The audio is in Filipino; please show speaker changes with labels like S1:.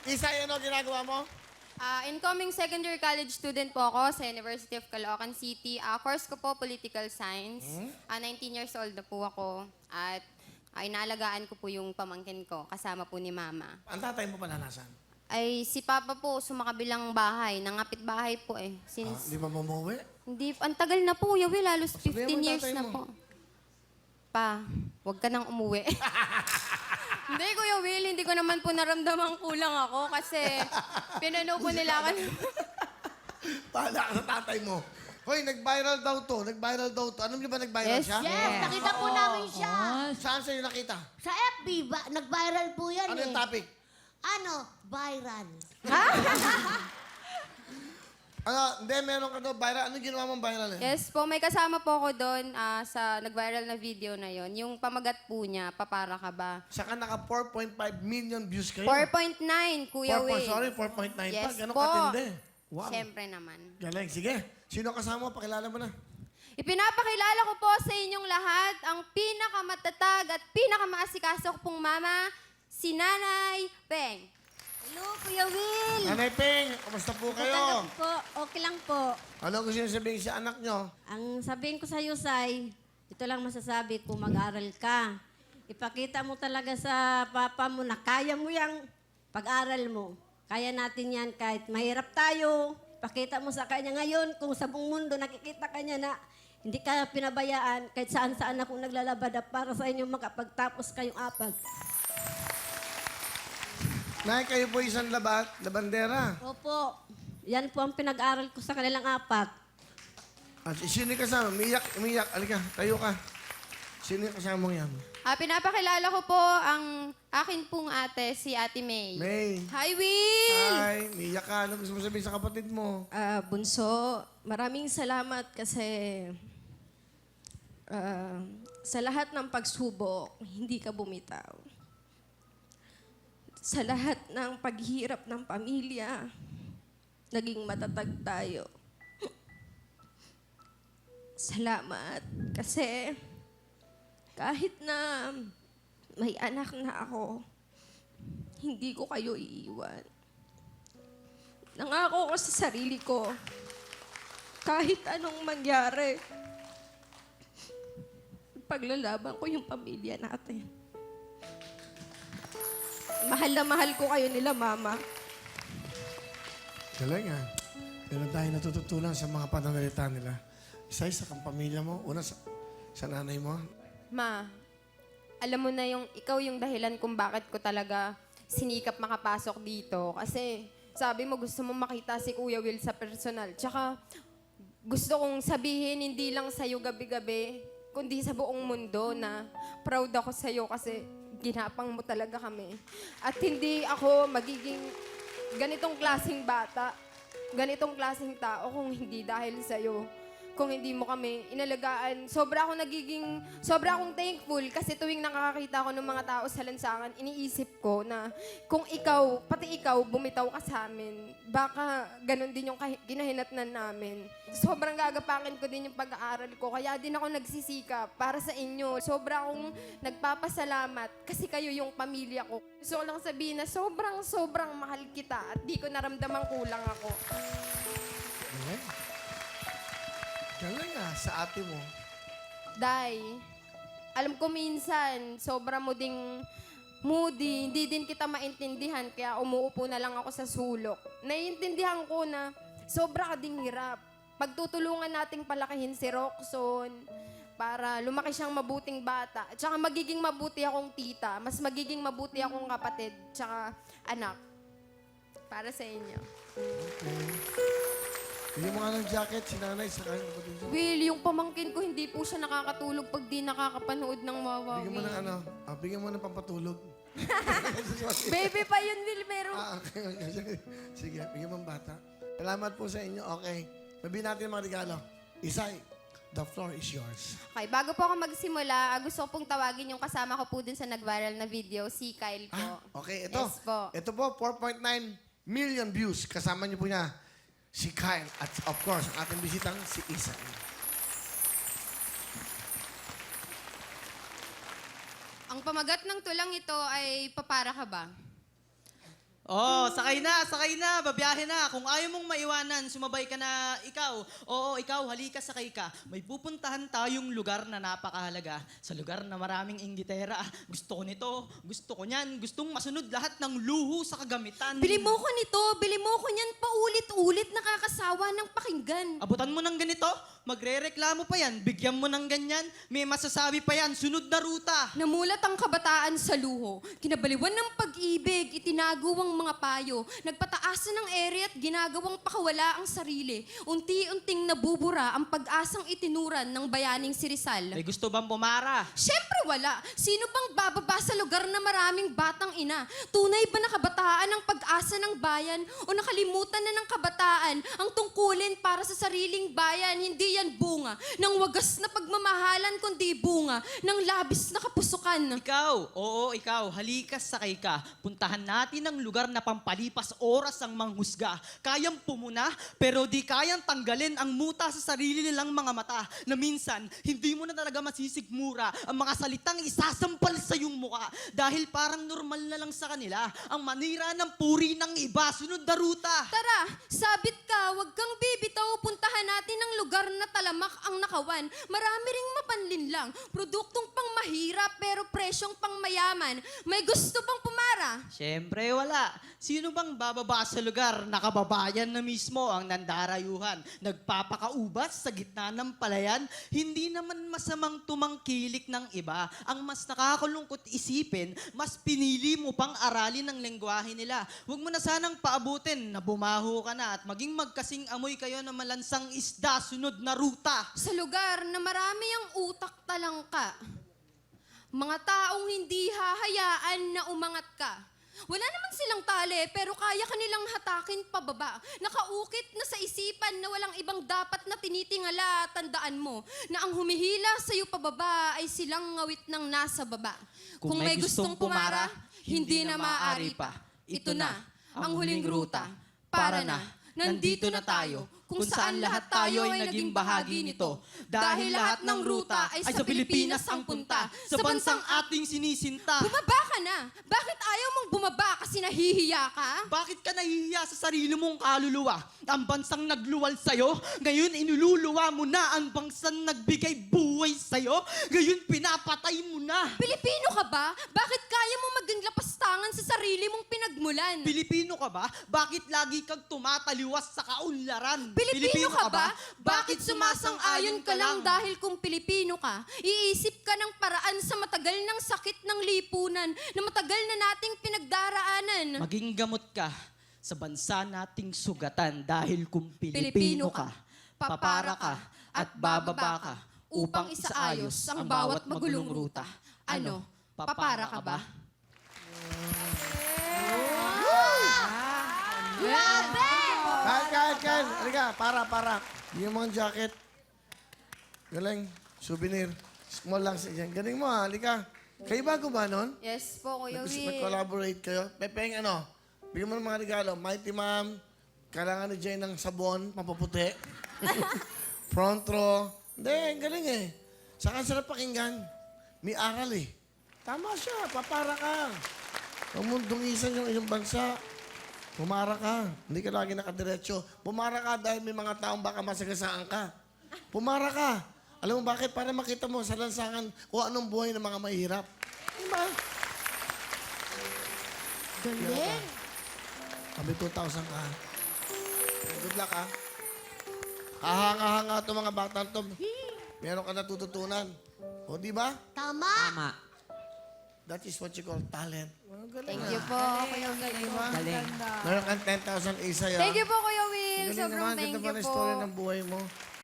S1: Isay, ano ginagawa mo?
S2: Incoming second year college student po ako sa University of Caloocan City. Course ko po, Political Science. 19 years old na po ako. At inaalagaan ko po yung pamangkin ko, kasama po ni Mama.
S1: Ang tatay mo pala nasan?
S2: Ay, si Papa po, sumakabilang bahay. Nangapit bahay po eh.
S1: Di ba mamuwi?
S2: Hindi, ang tagal na po, Yawi. Halos
S1: Sabihan mo
S2: 15 years
S1: tatay
S2: na
S1: mo.
S2: po. Pa, huwag ka nang umuwi. Hindi, Kuya Will, hindi ko naman po naramdaman kulang ako kasi pinano po nila ako.
S1: Pahala ka sa tatay mo. Hoy, nag-viral daw to. Nag-viral daw to. Alam niyo ba nag-viral
S2: Yes,
S1: siya?
S3: Yes, nakita po namin siya.
S1: Saan sa'yo nakita?
S3: Sa FB, nag-viral po yan
S1: Ano
S3: eh.
S1: yung topic?
S3: Ano? Viral.
S1: Hindi, meron ka daw viral. Anong ginawa mong viral eh?
S2: Yes po, may kasama po ako doon sa nag-viral na video na yon. Yung pamagat po niya, papara ka ba?
S1: Saka naka 4.5 million views kayo.
S2: 4.9, Kuya Will.
S1: Sorry, 4.9 pa.
S2: Yes
S1: Ganon
S2: po.
S1: katindi. Wow.
S2: Siyempre naman.
S1: Galing. Sige. Sino kasama mo? Pakilala mo na.
S2: Ipinapakilala ko po sa inyong lahat ang pinakamatatag at pinakamaasikaso ko pong mama, si Nanay Peng.
S3: Hello, Kuya Will.
S1: Nanay Peng, kamusta po kayo?
S3: Po, okay lang po.
S1: Ano gusto niyo sabihin sa anak niyo?
S3: Ang sabihin ko sa iyo, Sai, ito lang masasabi ko, mag-aral ka. Ipakita mo talaga sa papa mo na kaya mo yung pag-aral mo. Kaya natin yan kahit mahirap tayo. Pakita mo sa kanya ngayon kung sa buong mundo nakikita ka niya na hindi ka pinabayaan kahit saan-saan akong naglalabada para sa inyo makapagtapos kayong apat.
S1: Nay, kayo po isang labandera.
S3: Opo, yan po ang pinag-aral ko sa kanilang apat.
S1: At sino yung kasama? Umiyak. Alika, tayo ka. Sino yung kasama mo yan?
S2: Pinapakilala ko po ang akin pong ate, si Ate May.
S1: May.
S2: Hi, Will!
S1: Hi, umiyak ka. Ano gusto mo sabihin sa kapatid mo?
S4: Bunso, maraming salamat kasi sa lahat ng pagsubok, hindi ka bumitaw. Sa lahat ng paghirap ng pamilya, naging matatag tayo. Salamat kasi kahit na may anak na ako, hindi ko kayo iiwan. Nangako ko sa sarili ko, kahit anong mangyari, paglalaban ko yung pamilya natin. Mahal na mahal ko kayo nila, Mama.
S1: Galing ah. Meron tayo natututunan sa mga pananalita nila. Isa sa kang pamilya mo. Una sa nanay mo.
S2: Ma, alam mo na ikaw yung dahilan kung bakit ko talaga sinikap makapasok dito. Kasi sabi mo gusto mo makita si Kuya Will sa personal. Tsaka gusto kong sabihin hindi lang sa'yo gabi-gabi, kundi sa buong mundo na proud ako sa'yo kasi ginapang mo talaga kami. At hindi ako magiging ganitong klaseng bata, ganitong klaseng tao kung hindi dahil sa'yo. Kung hindi mo kami inalagaan, sobra akong thankful kasi tuwing nakakakita ko ng mga tao sa lansangan, iniisip ko na kung ikaw, pati ikaw, bumitaw ka sa amin, baka ganun din yung ginahinatnan namin. Sobrang gagapakin ko din yung pag-aaral ko, kaya din ako nagsisikap para sa inyo. Sobra akong nagpapasalamat kasi kayo yung pamilya ko. Gusto ko lang sabihin na sobrang mahal kita at di ko naramdamang kulang ako.
S1: Galing. Galing ah, sa ate mo.
S2: Day, alam ko minsan, sobra mo ding moody, hindi din kita maintindihan, kaya umuupo na lang ako sa sulok. Naiintindihan ko na sobra ka ding hirap. Pagtutulungan nating palakihin si Roxon para lumaki siyang mabuting bata. At saka magiging mabuti akong tita, mas magiging mabuti akong kapatid, tsaka anak. Para sa inyo.
S1: Bigyan mo nga ng jacket, si nanay, sa kanya kapatid niya.
S2: Will, yung pamangkin ko, hindi po siya nakakatulog pag di nakakapanood ng Wawa.
S1: Bigyan mo ng ano, bigyan mo ng pampatulog.
S2: Baby pa yun, Will, meron.
S1: Okay. Sige, bigyan mo ng bata. Salamat po sa inyo. Okay. Sabihin natin mga regalo. Isay, the floor is yours.
S2: Okay, bago po ako magsimula, gusto ko pong tawagin yung kasama ko po dun sa nag-viral na video, si Kyle po.
S1: Okay, ito.
S2: Yes po.
S1: Ito po, 4.9 million views. Kasama niyo po niya si Kyle at of course, ang ating bisitang si Isay.
S2: Ang pamagat ng tulang ito ay papara ka ba?
S5: Oh, sakay na, babiyahe na. Kung ayaw mong maiwanan, sumabay ka na ikaw. Oo, ikaw, halika, sakay ka. May pupuntahan tayong lugar na napakahalaga. Sa lugar na maraming inggitera. Gusto ko nito, gusto ko niyan, gustong masunod lahat ng luho sa kagamitan.
S4: Bili mo ko nito, bili mo ko niyan paulit-ulit, nakakasawa ng pakinggan.
S5: Abutan mo ng ganito, magre-reklamo pa yan, bigyan mo ng ganyan, may masasabi pa yan, sunod na ruta.
S2: Namulat ang kabataan sa luho. Kinabaliwan ng pag-ibig, itinago ang mga payo. Nagpataas na ng ere at ginagawang pakawala ang sarili. Unti-unting nabubura ang pag-asang itinuran ng bayaning si Rizal.
S5: May gusto bang pumara?
S2: Siyempre wala. Sino bang bababa sa lugar na maraming batang ina? Tunay ba na kabataan ang pag-asa ng bayan? O nakalimutan na ng kabataan ang tungkulin para sa sariling bayan? Hindi yan bunga ng wagas na pagmamahalan, kundi bunga ng labis na kapusukan.
S5: Ikaw, oo, ikaw, halika, sakay ka. Puntahan natin ang lugar na pampalipas oras ang manghusga. Kayang pumuna, pero di kayang tanggalin ang muta sa sarili nilang mga mata na minsan, hindi mo na talaga masisigmura ang mga salitang isasampal sa iyong muka dahil parang normal na lang sa kanila ang manira ng puri ng iba. Sunod na ruta.
S2: Tara, sabit ka, wag kang bibitaw, puntahan natin ang lugar na talamak ang nakawan. Marami ring mapanlinlang, produktong pang mahirap pero presyong pang mayaman. May gusto bang pumara?
S5: Siyempre wala. Sino bang bababa sa lugar na kababayan na mismo ang nandarayuhan? Nagpapakaubas sa gitna ng palayan? Hindi naman masamang tumangkilik ng iba. Ang mas nakakalungkot isipin, mas pinili mo pang aralin ang lengguwahe nila. Huwag mo na sanang paabutin na bumaho ka na at maging magkasing amoy kayo na malansang isda, sunod na ruta.
S2: Sa lugar na marami ang utak talangka. Mga taong hindi hahayaan na umangat ka. Wala naman silang tali, pero kaya kanilang hatakin pababa. Nakaukit na sa isipan na walang ibang dapat na tinitingala. Tandaan mo na ang humihila sa'yo pababa ay silang ngawit ng nasa baba. Kung may gustong pumara, hindi na maaari pa. Ito na, ang huling ruta. Para na, nandito na tayo. Kung saan lahat tayo ay naging bahagi nito. Dahil lahat ng ruta ay sa Pilipinas ang punta.
S5: Sa bansang ating sinisinta.
S2: Bumaba ka na! Bakit ayaw mong bumaba kasi nahihiya ka?
S5: Bakit ka nahihiya sa sarili mong kaluluwa? Ang bansang nagluwal sa'yo, ngayon inululuwa mo na ang bansang nagbigay buhay sa'yo, ngayon pinapatay mo na.
S2: Pilipino ka ba? Bakit kaya mo maging lapastangan sa sarili mong pinagmulan?
S5: Pilipino ka ba? Bakit lagi kang tumataliwas sa kaunlaran?
S2: Pilipino ka ba? Bakit sumasang-ayon ka lang dahil kung Pilipino ka, iisip ka ng paraan sa matagal ng sakit ng lipunan na matagal na nating pinagdaraanan?
S5: Maging gamot ka sa bansa nating sugatan dahil kung
S2: Pilipino
S5: Pilipino
S2: ka,
S5: ka, papara ka at bababa ka upang isaayos ang bawat magulong ruta. Ano, papara ka ba?
S1: Kan. Halika, para. Yung mga jacket. Galing. Souvenir. Small lang siya dyan. Galing mo ha, halika. Kayo ba gumanon?
S2: Yes po, Kuya Will.
S1: Nag-collaborate kayo? Pepeng, ano? Bigyan mo ng mga regalo. Mighty Ma'am, kailangan ni Jay ng sabon, pampaputi. Front row. Hindi, galing eh. Saka sarap pakinggan. May aral eh. Tama siya, papara ka. Huwag mong dungisan yung iyong bansa. Pumara ka. Hindi ka lagi nakadiretso. Pumara ka dahil may mga taong baka masagasaan ka. Pumara ka. Alam mo bakit? Para makita mo sa lansangan kung anong buhay ng mga mahirap. Diba? Galing. Kami 2,000 ka. Good luck, ha? Kahanga-hanga itong mga bata to. Meron ka natututunan. O, di ba?
S3: Tama.
S1: That is what you call talent. Oh, galing,
S2: Thank
S1: ha?
S2: you po, Kuya Will.
S1: Meron kang 10,000 isa, ha?
S2: Thank you po, Kuya Will.
S1: Galing
S2: Sobrang
S1: naman.
S2: thank
S1: Ganda
S2: you
S1: pa na
S2: po.
S1: story ng buhay mo.